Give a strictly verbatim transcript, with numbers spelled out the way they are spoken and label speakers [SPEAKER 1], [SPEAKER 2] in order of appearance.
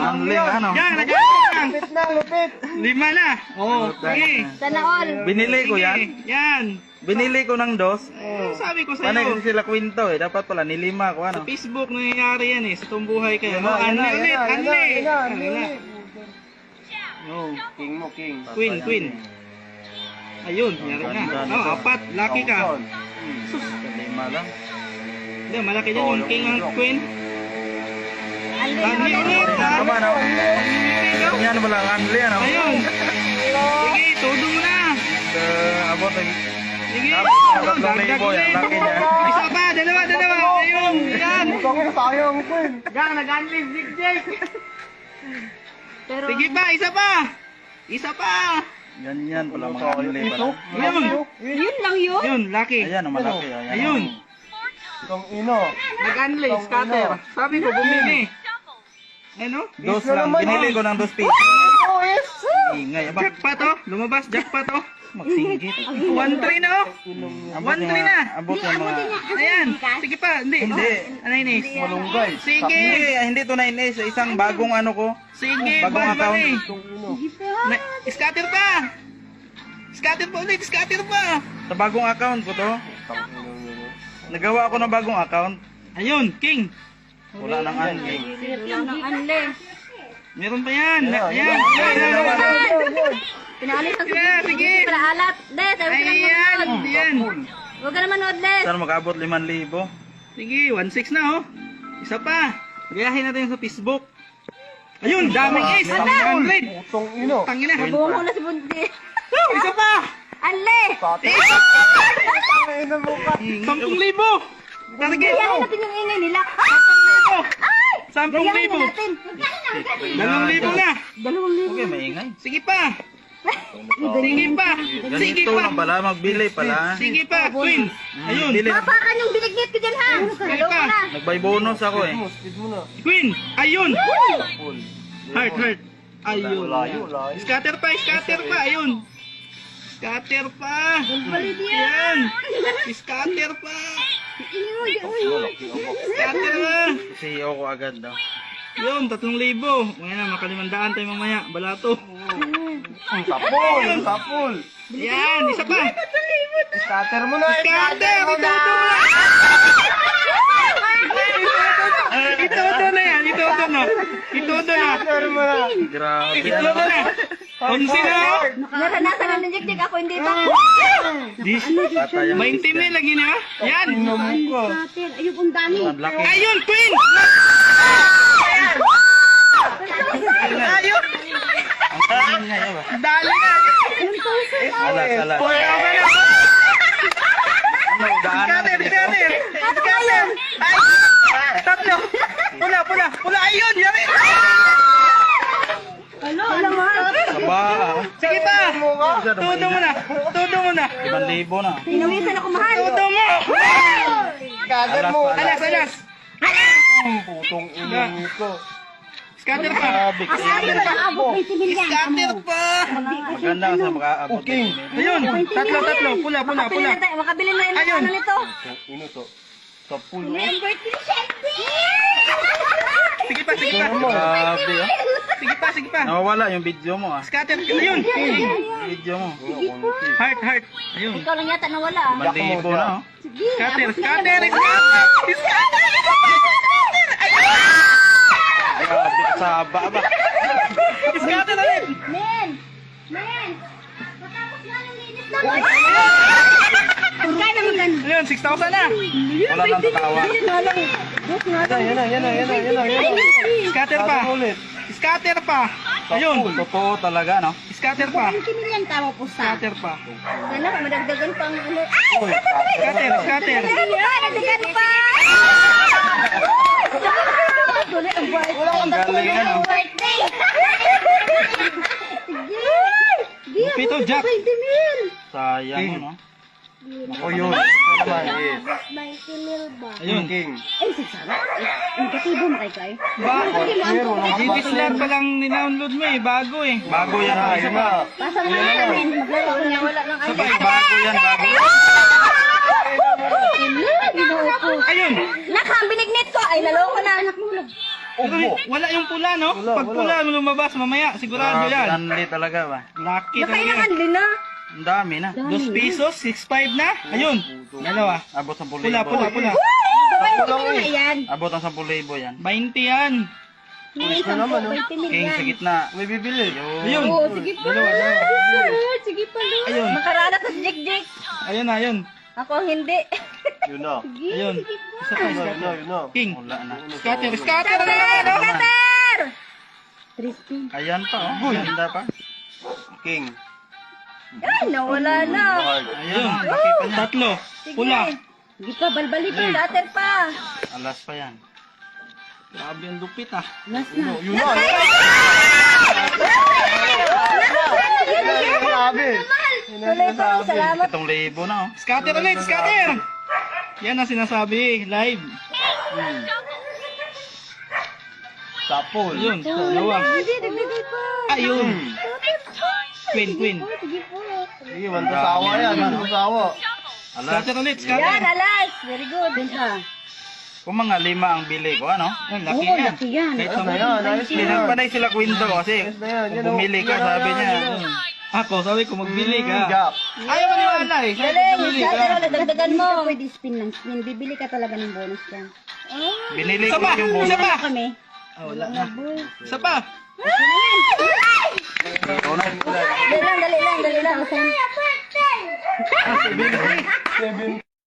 [SPEAKER 1] handling, ano?
[SPEAKER 2] Yan, nag-handling.
[SPEAKER 3] Lupit na, lupit.
[SPEAKER 2] Lima na. Oo, sige.
[SPEAKER 4] Sana all.
[SPEAKER 1] Binili ko
[SPEAKER 2] Sige,
[SPEAKER 1] yan.
[SPEAKER 2] Yan.
[SPEAKER 1] Binili ko ng dos.
[SPEAKER 2] Eh, sabi ko
[SPEAKER 1] Paano
[SPEAKER 2] sa'yo.
[SPEAKER 1] kasi sila kwento eh. Dapat pala nilima ko, ano?
[SPEAKER 2] Sa Facebook nangyayari yan eh. Sa itong buhay kayo.
[SPEAKER 3] Yan
[SPEAKER 2] Oh,
[SPEAKER 3] na, yan
[SPEAKER 2] unli
[SPEAKER 3] na, yan
[SPEAKER 2] ulit,
[SPEAKER 3] na, yan
[SPEAKER 2] unli.
[SPEAKER 3] na, yan na,
[SPEAKER 2] Unli
[SPEAKER 3] yan
[SPEAKER 2] na.
[SPEAKER 3] na.
[SPEAKER 2] Oh,
[SPEAKER 3] King mo, king.
[SPEAKER 2] Queen, queen. Ayun, yari na. Oh, apat. Lucky ka.
[SPEAKER 1] Sus, lima lang.
[SPEAKER 2] Hindi, malaki dyan yung king ang queen.
[SPEAKER 4] Unli
[SPEAKER 2] Unli
[SPEAKER 4] na
[SPEAKER 2] ulit, ha?
[SPEAKER 1] Tama, no? Yan wala ang handling, ano?
[SPEAKER 2] Ayun. Sige, todo mo na.
[SPEAKER 1] Uh, abot ang...
[SPEAKER 2] Sige.
[SPEAKER 1] Abot
[SPEAKER 2] Oh,
[SPEAKER 1] ang tatlong
[SPEAKER 2] dagdag
[SPEAKER 1] libo,
[SPEAKER 2] ulit.
[SPEAKER 1] yan. Laki niya.
[SPEAKER 2] Isa pa, dalawa, dalawa. Ayun, yan.
[SPEAKER 3] Bakit sayang, queen?
[SPEAKER 2] Gang, nag-unleash Big Jake.
[SPEAKER 4] Pero
[SPEAKER 2] Sige pa, isa pa. Isa pa.
[SPEAKER 1] Ganyan pala mga handling pala.
[SPEAKER 2] Ayun.
[SPEAKER 4] yun lang yun.
[SPEAKER 2] Ayun, lucky.
[SPEAKER 1] Ayan, ang malaki. Ayan.
[SPEAKER 2] Ayun.
[SPEAKER 3] Itong ino.
[SPEAKER 2] Nag-unleash, scatter. Sabi ko, bumili. Ano?
[SPEAKER 1] Dos
[SPEAKER 3] Isa
[SPEAKER 1] lang.
[SPEAKER 3] naman,
[SPEAKER 1] Binili
[SPEAKER 3] oh.
[SPEAKER 1] ko ng dos piso.
[SPEAKER 3] Oh, yes.
[SPEAKER 1] Ingay. Aba,
[SPEAKER 2] Jackpot oh. Lumabas, jackpot oh.
[SPEAKER 1] magsinggit.
[SPEAKER 2] one three na oh.
[SPEAKER 1] Abot
[SPEAKER 2] one
[SPEAKER 1] yung
[SPEAKER 2] three
[SPEAKER 1] mga-
[SPEAKER 2] na.
[SPEAKER 1] Abot yung mga...
[SPEAKER 2] Ayan. Sige pa. Hindi.
[SPEAKER 1] Hindi.
[SPEAKER 2] Ano yun eh?
[SPEAKER 3] Malunggay.
[SPEAKER 2] Sige.
[SPEAKER 1] Hindi, hindi to nine S. Isang bagong ano ko.
[SPEAKER 2] Sige.
[SPEAKER 1] Bagong
[SPEAKER 2] Bad
[SPEAKER 1] account.
[SPEAKER 2] bali.
[SPEAKER 3] Itong ino.
[SPEAKER 2] Na- Scatter pa. Scatter pa ulit. Scatter pa.
[SPEAKER 1] Sa bagong account ko to. Nagawa ako ng bagong account.
[SPEAKER 2] Ayun. King.
[SPEAKER 1] Wala nang handling.
[SPEAKER 4] Wala nang unli.
[SPEAKER 2] Meron pa yan.
[SPEAKER 3] Ayan,
[SPEAKER 2] Ayan.
[SPEAKER 3] ayan,
[SPEAKER 2] Ayan. Ayan.
[SPEAKER 4] Pinaalis ang
[SPEAKER 2] Sige, sige.
[SPEAKER 4] Para alat. De, sabi ko lang
[SPEAKER 2] Ayan.
[SPEAKER 4] manood.
[SPEAKER 2] Ayan.
[SPEAKER 4] Huwag ka na manood, Les.
[SPEAKER 1] Saan mag-abot limang libo?
[SPEAKER 2] Sige. one six na oh. Isa pa. Gayahin natin sa Facebook. Ayun. Daming ace. one hundred.
[SPEAKER 3] Itong ino.
[SPEAKER 2] Tangina.
[SPEAKER 4] Nabuong ko na si Bunti.
[SPEAKER 2] Oh, isa pa.
[SPEAKER 4] Unli.
[SPEAKER 3] Pati. Ang ina mo ka.
[SPEAKER 2] Sampung libo. Target.
[SPEAKER 4] Gayahin natin yung ingay nila.
[SPEAKER 2] Sampung libo. Sampung
[SPEAKER 4] Gayahin
[SPEAKER 2] libo.
[SPEAKER 4] na natin.
[SPEAKER 2] Dalawang libo na.
[SPEAKER 4] Dalawang libo.
[SPEAKER 1] Okay, maingay.
[SPEAKER 2] Sige pa. Sige pa. Sige
[SPEAKER 1] Ganito
[SPEAKER 2] pa.
[SPEAKER 1] lang pala, magbili pala.
[SPEAKER 2] Sige pa. Queen. Ayun.
[SPEAKER 1] Bili.
[SPEAKER 4] Papakan yung binignit ko dyan, ha? Hello
[SPEAKER 2] pa.
[SPEAKER 4] ka na.
[SPEAKER 1] Nagbay bonus ako eh.
[SPEAKER 3] Speed mo, speed mo na.
[SPEAKER 2] Queen. Ayun.
[SPEAKER 3] Full.
[SPEAKER 2] Heart, heart. Ayun.
[SPEAKER 3] Layo, layo.
[SPEAKER 2] Scatter pa. Scatter pa. Ayun. Scatter pa.
[SPEAKER 4] Balit
[SPEAKER 2] Yan. Scatter pa. Scatter pa.
[SPEAKER 1] C E O ko agad daw.
[SPEAKER 2] Yun. Tatlong libo. Ngayon na. Makalimandaan tayo mamaya. Balato.
[SPEAKER 3] Ang tapol, ang tapol.
[SPEAKER 2] Yan. Isa pa.
[SPEAKER 3] Scatter mo na.
[SPEAKER 2] Scatter.
[SPEAKER 3] mo
[SPEAKER 2] Ituto mo na. Ituto na yan. Ituto na. Ituto na.
[SPEAKER 3] Scatter mo na.
[SPEAKER 1] Grabe.
[SPEAKER 2] Ituto na. Onsi na oh.
[SPEAKER 4] Naranasan na ng jik-jik ako, hindi pa.
[SPEAKER 2] Dis.
[SPEAKER 1] Patay ang
[SPEAKER 2] twenty mil lagi na. Yan.
[SPEAKER 3] Ino mo ka.
[SPEAKER 4] Ayun, ang dami.
[SPEAKER 1] Ang laki.
[SPEAKER 2] Ayun, Queen. Ayun.
[SPEAKER 1] Ang ingay ba?
[SPEAKER 2] Dali na.
[SPEAKER 1] Alas, alas.
[SPEAKER 2] Boy, okay na.
[SPEAKER 1] Ano, daanan.
[SPEAKER 2] Scatter, scatter. Scatter. Ay. Tatlo. Pula, pula. Pula. Ayun. Yari.
[SPEAKER 4] Hello, hello,
[SPEAKER 1] Saba.
[SPEAKER 2] Sige pa.
[SPEAKER 1] Isa daw
[SPEAKER 2] Todo mo na. Todo mo na.
[SPEAKER 1] Limang libo na.
[SPEAKER 4] Pinawisan ako, mahal.
[SPEAKER 2] Todo mo.
[SPEAKER 3] Scatter mo.
[SPEAKER 2] Alas, alas.
[SPEAKER 3] Ang putong ino nito.
[SPEAKER 2] Scatter pa.
[SPEAKER 1] Grabe.
[SPEAKER 4] Asabi ka, abot, may similyan.
[SPEAKER 2] Scatter pa.
[SPEAKER 1] Maganda ka sa makaabot.
[SPEAKER 3] Okay.
[SPEAKER 2] Ayun. Tatlo, tatlo. Pula, pula,
[SPEAKER 4] Makabili
[SPEAKER 2] pula.
[SPEAKER 4] na tayo, makabili na yung
[SPEAKER 2] Ayun.
[SPEAKER 4] ano nito.
[SPEAKER 3] Ino to. Tapol.
[SPEAKER 4] Number three, Shelby!
[SPEAKER 2] Sige pa, sige pa.
[SPEAKER 1] Grabe oh.
[SPEAKER 2] Sige pa, sige pa.
[SPEAKER 1] Nawawala yung video mo ah.
[SPEAKER 2] Scatter. Ayun.
[SPEAKER 1] Video mo.
[SPEAKER 2] Heart, heart. Ayun.
[SPEAKER 4] Ikaw lang yata nawala. ah.
[SPEAKER 1] Limang libo na oh.
[SPEAKER 4] Sige,
[SPEAKER 2] Scatter,
[SPEAKER 4] abot na
[SPEAKER 2] scatter,
[SPEAKER 4] yan.
[SPEAKER 2] scatter. Scatter.
[SPEAKER 1] Grabe ka saba ba?
[SPEAKER 2] Scatter na rin.
[SPEAKER 4] Men! Men! Matapos na yung linis naman. Pagkain naman gan.
[SPEAKER 2] Ayun, six thousand na.
[SPEAKER 1] Wala nang tatawa.
[SPEAKER 3] Yan na, yan na, yan na, yan na, yan na, yan na.
[SPEAKER 2] Scatter pa.
[SPEAKER 3] Scatter ulit.
[SPEAKER 2] Scatter pa. Ayun.
[SPEAKER 1] Totoo talaga no?
[SPEAKER 2] Scatter pa.
[SPEAKER 4] twenty million tama po sa.
[SPEAKER 2] Scatter pa.
[SPEAKER 4] Sana madagdagan pang ano. Ay!
[SPEAKER 3] Uy,
[SPEAKER 2] Scatter, scatter.
[SPEAKER 4] Madagdagan pa! Tuloy ang buhay.
[SPEAKER 1] Ang galing ano.
[SPEAKER 4] Birthday! Sige!
[SPEAKER 2] Pito, Jack.
[SPEAKER 4] twenty mil!
[SPEAKER 1] Sayang mo no?
[SPEAKER 3] o yun. Ito naman, yes.
[SPEAKER 4] ninety mil ba?
[SPEAKER 2] Ayun.
[SPEAKER 3] King.
[SPEAKER 4] Ay, sagsara. Ang katibo mo kay Kai.
[SPEAKER 2] Ba,
[SPEAKER 3] Meron,
[SPEAKER 2] G T Slot pa lang ninownload mo eh. Bago eh.
[SPEAKER 1] Bago yan
[SPEAKER 3] Ah,
[SPEAKER 1] ah.
[SPEAKER 3] yun na.
[SPEAKER 4] Pasa mo na namin. Maglaro niya. Wala nang
[SPEAKER 2] Sabay,
[SPEAKER 4] idea.
[SPEAKER 1] Bago yan, bago.
[SPEAKER 4] Ginoo ko.
[SPEAKER 2] Ayun.
[SPEAKER 4] Nak, ang binignit ko. Ay, naloko na. Anak mo.
[SPEAKER 3] Opo.
[SPEAKER 2] Wala yung pula, no?
[SPEAKER 3] Wala,
[SPEAKER 2] Pag pula lumabas mamaya, sigurado
[SPEAKER 1] Grabe,
[SPEAKER 2] yan.
[SPEAKER 1] Danli talaga ba?
[SPEAKER 2] Lucky talaga.
[SPEAKER 4] Nakailangan din na.
[SPEAKER 1] Ang dami na.
[SPEAKER 2] Dos pesos, six five na. Ayun. Dalawa.
[SPEAKER 1] Abot sa pulibo.
[SPEAKER 2] Pula, pula, pula.
[SPEAKER 4] Sabay mo na yan.
[SPEAKER 1] Abot ang sa pulibo yan.
[SPEAKER 2] twenty yan.
[SPEAKER 4] May isang
[SPEAKER 3] naman,
[SPEAKER 4] po,
[SPEAKER 3] oh.
[SPEAKER 4] twenty mil
[SPEAKER 1] King
[SPEAKER 4] yan.
[SPEAKER 1] sa gitna.
[SPEAKER 3] May bibili.
[SPEAKER 2] Ayun.
[SPEAKER 4] Oo, sige pa.
[SPEAKER 2] Dalawa, dalawa.
[SPEAKER 4] Sige pa, Lu.
[SPEAKER 2] Ayun.
[SPEAKER 4] Makarana to si Jik Jik.
[SPEAKER 2] Ayun na, ayun.
[SPEAKER 4] Ako ang hindi.
[SPEAKER 3] Yun na.
[SPEAKER 2] Ayun. Isa pa,
[SPEAKER 3] Yun na,
[SPEAKER 2] isa
[SPEAKER 3] yun na,
[SPEAKER 2] pa.
[SPEAKER 3] yun na.
[SPEAKER 2] King.
[SPEAKER 1] Wala na.
[SPEAKER 2] Scatter, scatter na yan.
[SPEAKER 4] Scatter!
[SPEAKER 2] oh.
[SPEAKER 4] Scatter! Tristan.
[SPEAKER 1] Ayan pa oh. Ganda pa.
[SPEAKER 3] King.
[SPEAKER 4] Ay, nawala na.
[SPEAKER 3] Card.
[SPEAKER 1] Ayun. Laki pa niya.
[SPEAKER 2] Tatlo.
[SPEAKER 4] Sige.
[SPEAKER 2] Pula.
[SPEAKER 4] Sige pa, balbali pa. Scatter pa.
[SPEAKER 1] Alas pa yan.
[SPEAKER 2] Grabe ang lupit ah.
[SPEAKER 4] Last na.
[SPEAKER 3] Yun na. Grabe.
[SPEAKER 4] Tuloy pa, salamat.
[SPEAKER 1] Itong libo na oh.
[SPEAKER 2] Scatter ulit, scatter! Yan ang sinasabi, live.
[SPEAKER 3] Sapol.
[SPEAKER 2] Ayun, dalawa.
[SPEAKER 4] Hindi, dagdagan pa.
[SPEAKER 2] Ayun. Queen, queen.
[SPEAKER 4] Sige po.
[SPEAKER 3] Sige, one to sawa yan. One to sawa.
[SPEAKER 1] Alas.
[SPEAKER 2] Scatter ulit,
[SPEAKER 4] Yan,
[SPEAKER 2] scatter.
[SPEAKER 4] alas. Very good. Benta.
[SPEAKER 1] Kung mga lima ang bili ko, ano?
[SPEAKER 2] Yan, laki
[SPEAKER 4] Oo,
[SPEAKER 2] yan.
[SPEAKER 4] laki yan.
[SPEAKER 2] Kahit
[SPEAKER 3] Ayos
[SPEAKER 2] sa
[SPEAKER 3] na yan. Ayos na
[SPEAKER 1] Hindi
[SPEAKER 3] yan.
[SPEAKER 1] nagpanay sila kwento kasi
[SPEAKER 3] Ayos na yan.
[SPEAKER 1] kung
[SPEAKER 3] Yan, oh.
[SPEAKER 1] bumili ka,
[SPEAKER 3] Yan,
[SPEAKER 1] sabi
[SPEAKER 3] yan,
[SPEAKER 1] niya.
[SPEAKER 3] yan, yan.
[SPEAKER 2] Ako, sabi ko magbili ka.
[SPEAKER 3] Jack.
[SPEAKER 2] Ayaw maniwala eh. Sabi ko
[SPEAKER 4] Galing,
[SPEAKER 2] magbili
[SPEAKER 4] scatter
[SPEAKER 2] ka.
[SPEAKER 4] ulit. Dagdagan mo. Pwede spin ng spin. Bibili ka talaga ng bonus yan.
[SPEAKER 1] Binili
[SPEAKER 2] Isa
[SPEAKER 1] ko
[SPEAKER 2] pa,
[SPEAKER 1] yung
[SPEAKER 2] isa
[SPEAKER 1] bonus.
[SPEAKER 2] pa.
[SPEAKER 4] Kami.
[SPEAKER 2] Ah, wala na. Isa pa.
[SPEAKER 1] Ikaw na.
[SPEAKER 4] Dali lang, dali lang, dali lang.
[SPEAKER 3] Seven.